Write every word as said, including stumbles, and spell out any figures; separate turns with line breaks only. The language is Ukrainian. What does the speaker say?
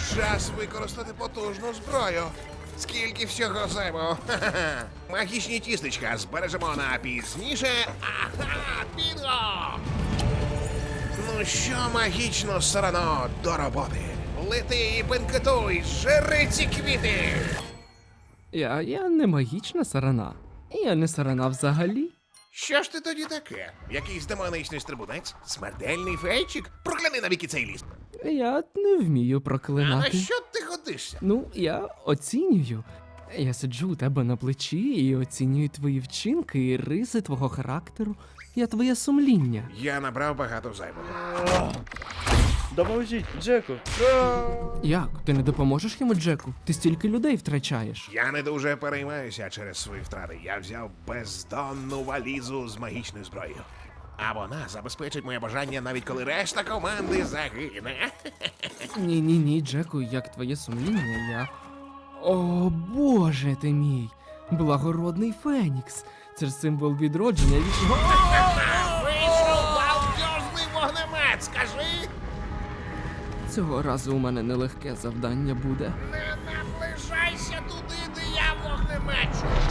Час використати потужну зброю. Скільки всього займо. Ха-ха-ха. Магічні тістечка збережемо на пізніше. Ага, бінго! Ну що, магічно сарано, до роботи. Лети і бенкетуй, жри ці квіти!
Я, я не магічна сарана. Я не сарана взагалі.
Що ж ти тоді таке? Якийсь демоничний стрибунець? Смертельний фейчик? Прокляни навіки цей ліс.
Я не вмію
А на
проклинати.
що ти годишся?
Ну, я оцінюю. Я сиджу у тебе на плечі і оцінюю твої вчинки і риси твого характеру. Я твоє сумління.
Я набрав багато зайвого.
Допоможіть, Джеку.
Як? Ти не допоможеш йому, Джеку? Ти стільки людей втрачаєш.
Я не дуже переймаюся через свої втрати. Я взяв бездонну валізу з магічною зброєю. А вона забезпечить моє бажання, навіть коли решта команди загине.
Ні, ні, ні, Джеку, як твоє сумління, я. О, Боже ти мій! Благородний Фенікс! Це ж символ відродження вічного.
Вийшов балдьозний вогнемет, скажи!
Цього разу у мене нелегке завдання буде.
Не наближайся туди, де я вогнемечу!